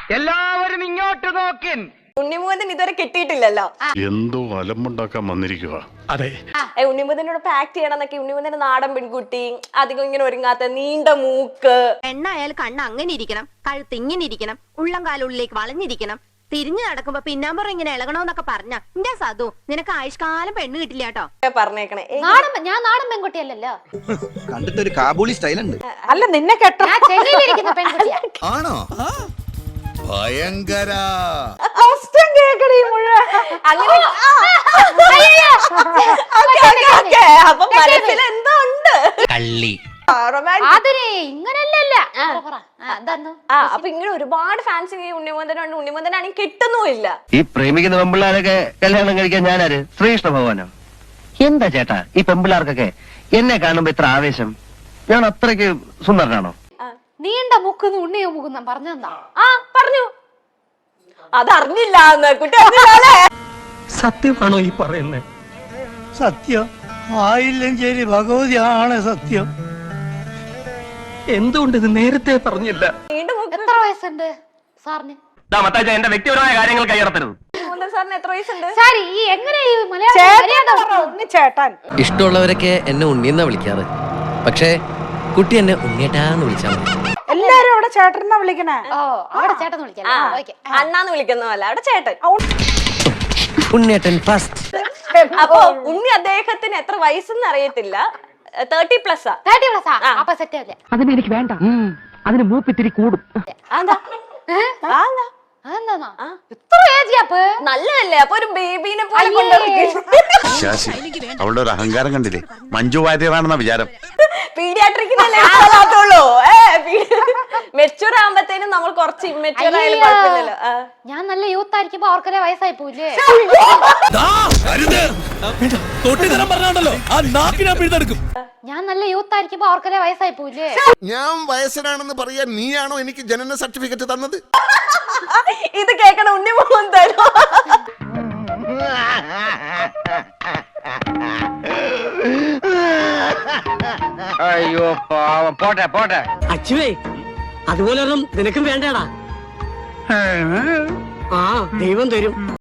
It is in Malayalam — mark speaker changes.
Speaker 1: എല്ലാവരും ഇങ്ങോട്ട് നോക്കിൻ.
Speaker 2: ഉണ്ണിമുഖൻ ഇതുവരെ കിട്ടിയിട്ടില്ലല്ലോ.
Speaker 3: എന്തോ അലമ്പുണ്ടാക്കാൻ വന്നിരിക്കുക.
Speaker 4: അതെ,
Speaker 2: ഉണ്ണിമുഖനോടൊപ്പം ആക്ട് ചെയ്യണമെന്നൊക്കെ. ഉണ്ണിമുഖന്റെ നാടൻ പെൺകുട്ടി, അധികം ഇങ്ങനെ ഒരുങ്ങാത്ത, നീണ്ട മൂക്ക്.
Speaker 5: പെണ്ണായാൽ കണ്ണ് അങ്ങനെ ഇരിക്കണം, കഴുത്ത് ഇങ്ങനെ ഇരിക്കണം, ഉള്ളം കാലുള്ളിലേക്ക് വളഞ്ഞിരിക്കണം, തിരിഞ്ഞു നടക്കുമ്പോ പിന്നാമ്പുറം ഇങ്ങനെ ഇളകണോന്നൊക്കെ പറഞ്ഞ എന്റെ സതു നിനക്ക് ആയുഷ്കാലം പെണ്ണ് കിട്ടില്ല കേട്ടോ
Speaker 2: പറഞ്ഞേക്കണേ.
Speaker 6: ഞാൻ നാടൻ പെൺകുട്ടിയല്ലല്ലോ.
Speaker 7: കണ്ടിട്ട് ഒരു കാബൂളി സ്റ്റൈൽ ഉണ്ട്.
Speaker 2: അല്ല നിന്നെ കേട്ടോ
Speaker 6: ചെന്നൈയിലിരിക്കുന്ന പെൺകുട്ടിയാ.
Speaker 7: ആണോ? ഭയങ്കര
Speaker 2: അപ്പൊ മനസ്സിൽ എന്തോ ഉണ്ട്.
Speaker 6: ഇങ്ങനല്ലല്ല.
Speaker 2: അപ്പൊ ഇങ്ങനെ ഒരുപാട് ഫാൻസ് ഉണ്ണിമുഖനുണ്ട്. ഉണ്ണിമുഖനാണെങ്കിൽ കിട്ടുന്നുമില്ല.
Speaker 1: ഈ പ്രേമിക്കുന്ന പെമ്പിള്ളാരൊക്കെ കല്യാണം കഴിക്കാൻ ഞാനാര്? ശ്രീകൃഷ്ണ ഭഗവാനോ? എന്താ ചേട്ടാ ഈ പെമ്പിള്ളാർക്കൊക്കെ എന്നെ കാണുമ്പോ ഇത്ര ആവേശം? ഞാൻ അത്രയ്ക്ക് സുന്ദരനാണോ?
Speaker 6: നീണ്ട മുക്കുന്ന ഉണ്ണിയ മുക്കുന്ന പറഞ്ഞെന്താ?
Speaker 2: പറഞ്ഞു. അതറിഞ്ഞില്ല കുട്ടി അറിഞ്ഞില്ലേ?
Speaker 4: സത്യമാണോ ഈ പറയുന്നത്? സത്യം ആയില്ലെങ്കിൽ ഭഗവതിയാണ് സത്യം. എന്തുകൊണ്ട് ഇത് നേരത്തെ പറഞ്ഞില്ല?
Speaker 6: എത്ര വയസ്സുണ്ട് സാറിന്?
Speaker 1: എന്റെ വ്യക്തിപരമായ കാര്യങ്ങൾ കൈയടത്തരുത്.
Speaker 2: സാറിന് എത്ര വയസ്സുണ്ട്?
Speaker 6: സാരി ഈ എങ്ങനെ ഈ മലയാളം
Speaker 2: ചേട്ടൻ
Speaker 8: ഇഷ്ടമുള്ളവരൊക്കെ എന്നെ ഉണ്ണിയെന്നാ വിളിക്കാറ്. പക്ഷേ കുട്ടി എന്നെ ഉണ്ണിയേട്ടാന്ന് വിളിച്ചാൽ മതി.
Speaker 2: എല്ലാരും അവിടെ ചേട്ടനാ വിളിക്കണേ.
Speaker 6: ഓ അവിടെ ചേട്ടൻ വിളിക്കാം.
Speaker 2: അണ്ണാന്ന് വിളിക്കുന്നതല്ല, അവിടെ ചേട്ടൻ.
Speaker 8: ഉണ്ണിയേട്ടൻ ഫസ്റ്റ്.
Speaker 2: അപ്പൊ ഉണ്ണി അദ്ദേഹത്തിന് എത്ര വയസ്സെന്ന് അറിയത്തില്ല. 30+.
Speaker 6: 30+ അപ്പൊ സെറ്റ് അല്ലേ?
Speaker 1: അതിന് എനിക്ക് വേണ്ട. അതിന് മൂപ്പിത്തിരി കൂടും.
Speaker 6: ഇത്ര ഏജിയാപ്പ്
Speaker 2: നല്ലതല്ലേ? അപ്പൊ ഒരു ബേബീനെ പോലെ കൊണ്ടുപോയി.
Speaker 3: അവളുടെ ഒരു അഹങ്കാരം കണ്ടില്ലേ? മഞ്ജു വാര്യറാണെന്ന വിചാരം.
Speaker 2: പീഡിയാട്രിക്കിനല്ലേ മെച്ചൂർ ആകുമ്പത്തേനും നമ്മൾ കുറച്ച് ഇമ്മെച്ചൂർ ആയാലും കുഴപ്പമില്ലല്ലോ.
Speaker 6: ഞാൻ നല്ല യൂത്ത് ആയിരിക്കുമ്പോ അവർക്കല്ലേ വയസ്സായി പോയില്ലേ? ഞാൻ നല്ല യൂത്ത് ആയിരിക്കുമ്പോ അവർക്കല്ലേ വയസ്സായി പോയില്ലേ?
Speaker 9: ഞാൻ വയസ്സനാണെന്ന് പറയാൻ നീയാണോ എനിക്ക് ജനന സർട്ടിഫിക്കറ്റ് തന്നത്?
Speaker 2: ഇത് കേൾക്കണ ഉണ്ണിമുഖൻ തരോ?
Speaker 1: അയ്യോ പാവം. പോട്ടെ പോട്ടെ.
Speaker 10: അച്ചുവേ അതുപോലെ നിനക്കും വേണ്ടടാ. ആ ദൈവം തരും.